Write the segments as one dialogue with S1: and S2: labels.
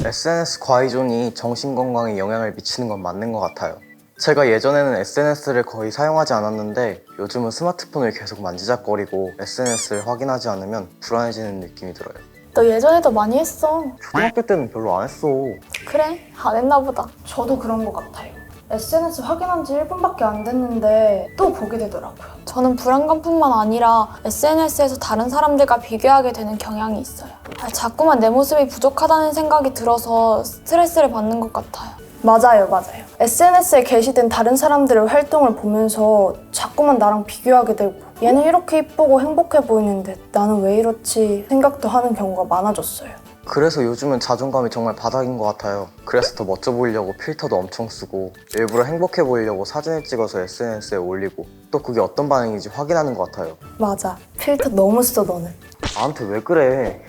S1: SNS 과의존이 정신건강에 영향을 미치는 건 맞는 것 같아요. 제가 예전에는 SNS를 거의 사용하지 않았는데 요즘은 스마트폰을 계속 만지작거리고 SNS를 확인하지 않으면 불안해지는 느낌이 들어요.
S2: 너 예전에도 많이 했어.
S1: 초등학교 때는 별로 안 했어.
S2: 그래, 안 했나 보다.
S3: 저도 그런 것 같아요. SNS 확인한 지 1분밖에 안 됐는데 또 보게 되더라고요.
S2: 저는 불안감뿐만 아니라 SNS에서 다른 사람들과 비교하게 되는 경향이 있어요. 자꾸만 내 모습이 부족하다는 생각이 들어서 스트레스를 받는 것 같아요.
S3: 맞아요. SNS에 게시된 다른 사람들의 활동을 보면서 자꾸만 나랑 비교하게 되고 얘는 이렇게 이쁘고 행복해 보이는데 나는 왜 이렇지 생각도 하는 경우가 많아졌어요.
S1: 그래서 요즘은 자존감이 정말 바닥인 것 같아요. 그래서 더 멋져 보이려고 필터도 엄청 쓰고 일부러 행복해 보이려고 사진을 찍어서 SNS에 올리고 또 그게 어떤 반응인지 확인하는 것 같아요.
S3: 맞아. 필터 너무 써 너는.
S1: 나한테 왜 그래?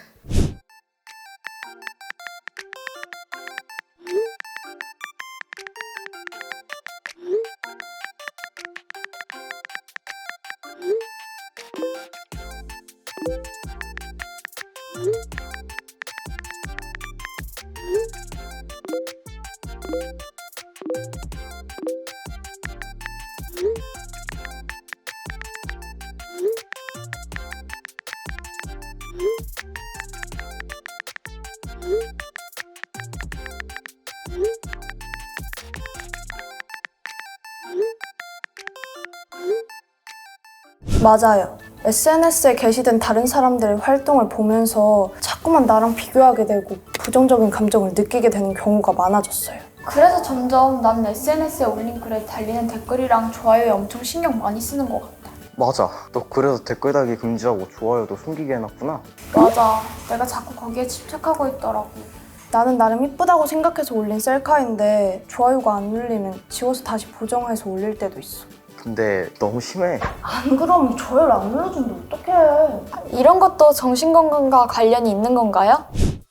S3: 맞아요. SNS에 게시된 다른 사람들의 활동을 보면서 자꾸만 나랑 비교하게 되고 부정적인 감정을 느끼게 되는 경우가 많아졌어요.
S2: 그래서 점점 나는 SNS에 올린 글에 달리는 댓글이랑 좋아요에 엄청 신경 많이 쓰는 것 같아.
S1: 맞아. 너 그래서 댓글 달기 금지하고 좋아요도 숨기게 해놨구나.
S2: 맞아. 내가 자꾸 거기에 집착하고 있더라고.
S3: 나는 나름 이쁘다고 생각해서 올린 셀카인데 좋아요가 안 눌리면 지워서 다시 보정해서 올릴 때도 있어.
S1: 근데 너무 심해.
S3: 안 그러면 좋아요를 안 눌러주는데 어떡해.
S2: 이런 것도 정신건강과 관련이 있는 건가요?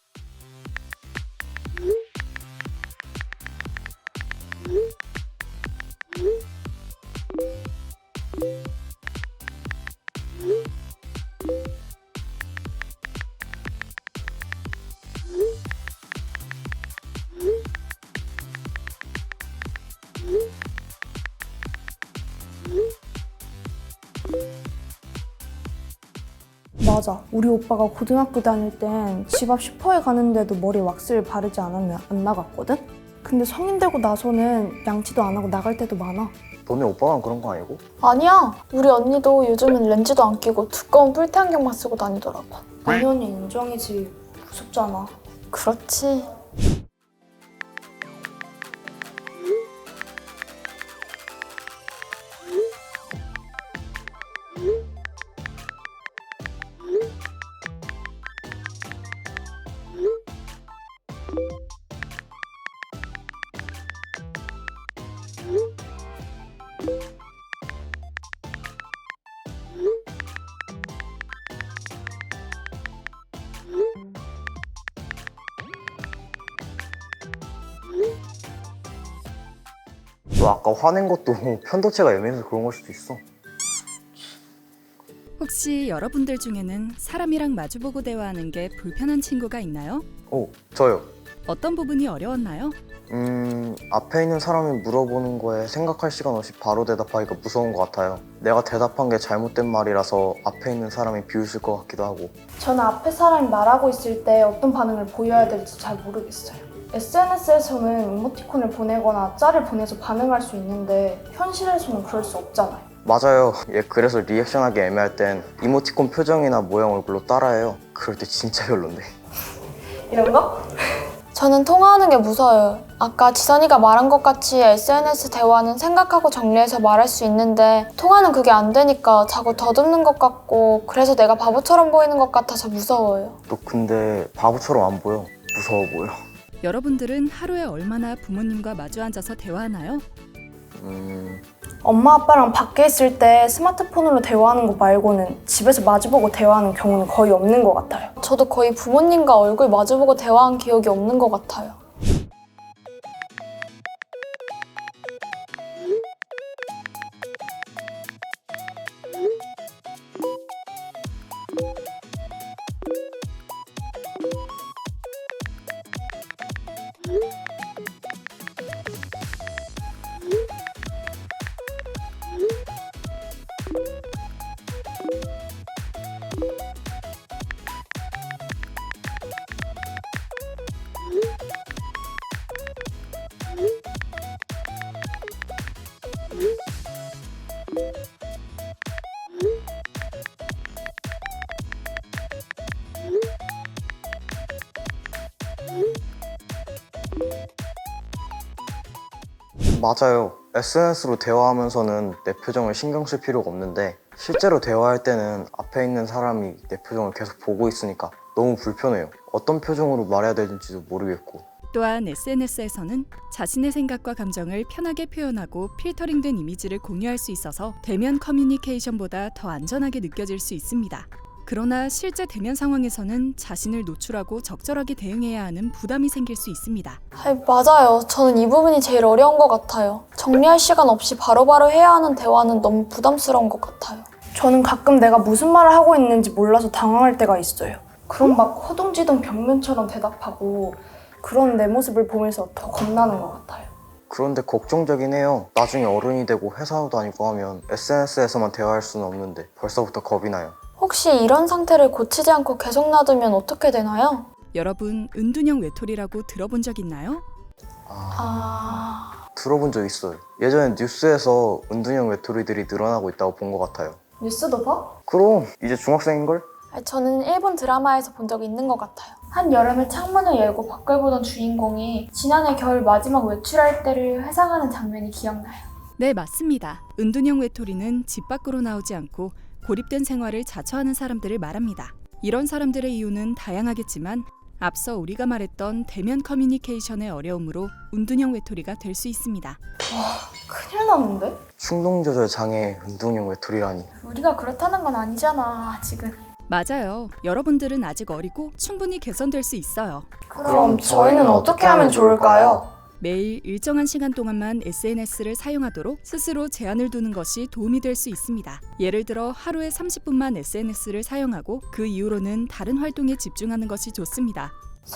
S3: 맞아. 우리 오빠가 고등학교 다닐 땐 집 앞 슈퍼에 가는데도 머리 왁스를 바르지 않으면 안 나갔거든? 근데 성인 되고 나서는 양치도 안 하고 나갈 때도 많아.
S1: 너네 오빠만 그런 거 아니고?
S2: 아니야. 우리 언니도 요즘은 렌즈도 안 끼고 두꺼운 뿔테 안경만 쓰고 다니더라고.
S3: 당연히 인정이지. 무섭잖아.
S2: 그렇지.
S1: 너 아까 화낸 것도 편도체가 예민해서 그런 걸 수도 있어.
S4: 혹시 여러분들 중에는 사람이랑 마주보고 대화하는 게 불편한 친구가 있나요?
S1: 저요.
S4: 어떤 부분이 어려웠나요?
S1: 앞에 있는 사람이 물어보는 거에 생각할 시간 없이 바로 대답하기가 무서운 것 같아요. 내가 대답한 게 잘못된 말이라서 앞에 있는 사람이 비웃을 것 같기도 하고.
S3: 저는 앞에 사람이 말하고 있을 때 어떤 반응을 보여야 될지 잘 모르겠어요. SNS에서는 이모티콘을 보내거나 짤을 보내서 반응할 수 있는데 현실에서는 그럴 수 없잖아요.
S1: 맞아요. 얘 그래서 리액션하기 애매할 땐 이모티콘 표정이나 모양 얼굴로 따라해요. 그럴 때 진짜 별론데.
S3: 이런 거?
S2: 저는 통화하는 게 무서워요. 아까 지선이가 말한 것 같이 SNS 대화는 생각하고 정리해서 말할 수 있는데 통화는 그게 안 되니까 자꾸 더듬는 것 같고 그래서 내가 바보처럼 보이는 것 같아서 무서워요.
S1: 너 근데 바보처럼 안 보여. 무서워 보여.
S4: 여러분들은 하루에 얼마나 부모님과 마주 앉아서 대화하나요?
S3: 엄마 아빠랑 밖에 있을 때 스마트폰으로 대화하는 거 말고는 집에서 마주보고 대화하는 경우는 거의 없는 것 같아요.
S2: 저도 거의 부모님과 얼굴 마주보고 대화한 기억이 없는 것 같아요.
S1: 맞아요. SNS로 대화하면서는 내 표정을 신경 쓸 필요가 없는데 실제로 대화할 때는 앞에 있는 사람이 내 표정을 계속 보고 있으니까 너무 불편해요. 어떤 표정으로 말해야 되는지도 모르겠고.
S4: 또한 SNS에서는 자신의 생각과 감정을 편하게 표현하고 필터링된 이미지를 공유할 수 있어서 대면 커뮤니케이션보다 더 안전하게 느껴질 수 있습니다. 그러나 실제 대면 상황에서는 자신을 노출하고 적절하게 대응해야 하는 부담이 생길 수 있습니다.
S2: 맞아요. 저는 이 부분이 제일 어려운 것 같아요. 정리할 시간 없이 바로바로 해야 하는 대화는 너무 부담스러운 것 같아요.
S3: 저는 가끔 내가 무슨 말을 하고 있는지 몰라서 당황할 때가 있어요. 그럼 막 허둥지둥 벽면처럼 대답하고 그런 내 모습을 보면서 더 겁나는 것 같아요.
S1: 그런데 걱정되긴 해요. 나중에 어른이 되고 회사도 다니고 하면 SNS에서만 대화할 수는 없는데 벌써부터 겁이 나요.
S2: 혹시 이런 상태를 고치지 않고 계속 놔두면 어떻게 되나요?
S4: 여러분, 은둔형 외톨이라고 들어본 적 있나요?
S1: 들어본 적 있어요. 예전에 뉴스에서 은둔형 외톨이들이 늘어나고 있다고 본 것 같아요.
S3: 뉴스도 봐?
S1: 그럼 이제 중학생인걸?
S2: 저는 일본 드라마에서 본 적이 있는 것 같아요. 한 여름에 창문을 열고 밖을 보던 주인공이 지난해 겨울 마지막 외출할 때를 회상하는 장면이 기억나요.
S4: 네, 맞습니다. 은둔형 외톨이는 집 밖으로 나오지 않고 고립된 생활을 자처하는 사람들을 말합니다. 이런 사람들의 이유는 다양하겠지만 앞서 우리가 말했던 대면 커뮤니케이션의 어려움으로 은둔형 외톨이가 될 수 있습니다.
S3: 큰일 났는데?
S1: 충동조절 장애 은둔형 외톨이라니.
S2: 우리가 그렇다는 건 아니잖아, 아직은.
S4: 맞아요. 여러분들은 아직 어리고 충분히 개선될 수 있어요.
S3: 그럼 저희는 어떻게 하면 좋을까요?
S4: 매일 일정한 시간 동안만 SNS를 사용하도록 스스로 제한을 두는 것이 도움이 될 수 있습니다. 예를 들어 하루에 30분만 SNS를 사용하고 그 이후로는 다른 활동에 집중하는 것이 좋습니다.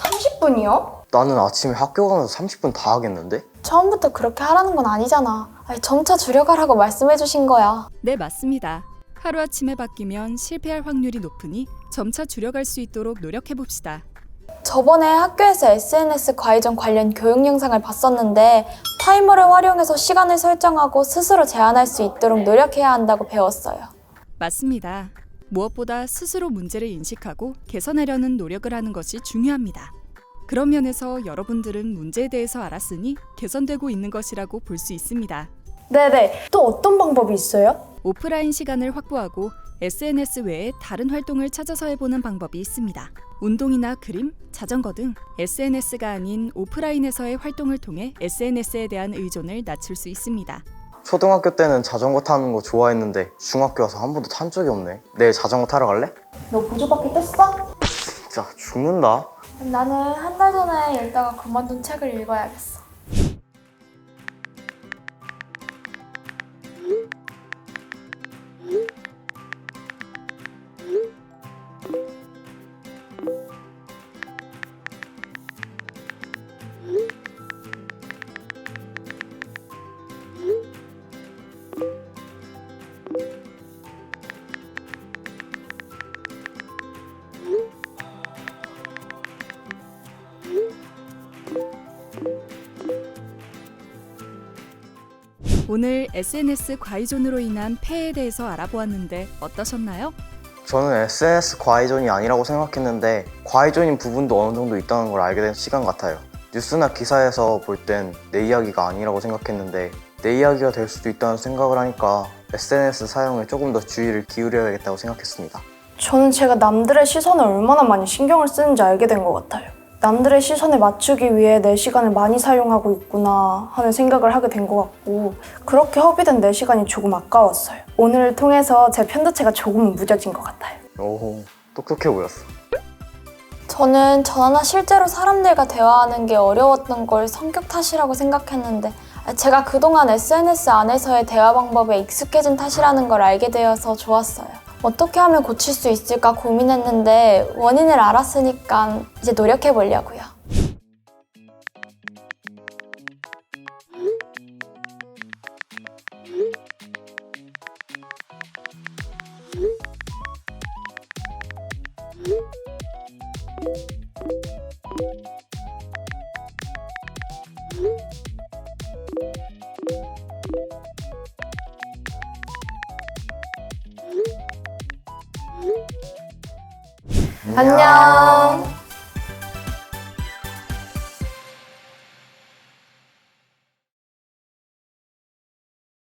S3: 30분이요?
S1: 나는 아침에 학교 가면서 30분 다 하겠는데?
S2: 처음부터 그렇게 하라는 건 아니잖아. 점차 줄여가라고 말씀해 주신 거야.
S4: 네, 맞습니다. 하루아침에 바뀌면 실패할 확률이 높으니 점차 줄여갈 수 있도록 노력해봅시다.
S2: 저번에 학교에서 SNS 과의정 관련 교육 영상을 봤었는데 타이머를 활용해서 시간을 설정하고 스스로 제한할 수 있도록 노력해야 한다고 배웠어요.
S4: 맞습니다. 무엇보다 스스로 문제를 인식하고 개선하려는 노력을 하는 것이 중요합니다. 그런 면에서 여러분들은 문제에 대해서 알았으니 개선되고 있는 것이라고 볼 수 있습니다.
S3: 네네. 또 어떤 방법이 있어요?
S4: 오프라인 시간을 확보하고 SNS 외에 다른 활동을 찾아서 해보는 방법이 있습니다. 운동이나 그림, 자전거 등 SNS가 아닌 오프라인에서의 활동을 통해 SNS에 대한 의존을 낮출 수 있습니다.
S1: 초등학교 때는 자전거 타는 거 좋아했는데 중학교 와서 한 번도 탄 적이 없네. 내일 자전거 타러 갈래?
S3: 너 보조바퀴 뗐어?
S1: 진짜 죽는다.
S2: 나는 한 달 전에 읽다가 그만둔 책을 읽어야겠어.
S4: 오늘 SNS 과의존으로 인한 폐해에 대해서 알아보았는데 어떠셨나요?
S1: 저는 SNS 과의존이 아니라고 생각했는데 과의존인 부분도 어느 정도 있다는 걸 알게 된 시간 같아요. 뉴스나 기사에서 볼 땐 내 이야기가 아니라고 생각했는데 내 이야기가 될 수도 있다는 생각을 하니까 SNS 사용에 조금 더 주의를 기울여야겠다고 생각했습니다.
S3: 저는 제가 남들의 시선을 얼마나 많이 신경을 쓰는지 알게 된 것 같아요. 남들의 시선에 맞추기 위해 내 시간을 많이 사용하고 있구나 하는 생각을 하게 된 것 같고 그렇게 허비된 내 시간이 조금 아까웠어요. 오늘을 통해서 제 편도체가 조금 무뎌진 것 같아요.
S1: 오, 똑똑해 보였어.
S2: 저는 저나 실제로 사람들과 대화하는 게 어려웠던 걸 성격 탓이라고 생각했는데 제가 그동안 SNS 안에서의 대화 방법에 익숙해진 탓이라는 걸 알게 되어서 좋았어요. 어떻게 하면 고칠 수 있을까 고민했는데 원인을 알았으니까 이제 노력해 보려고요. 안녕.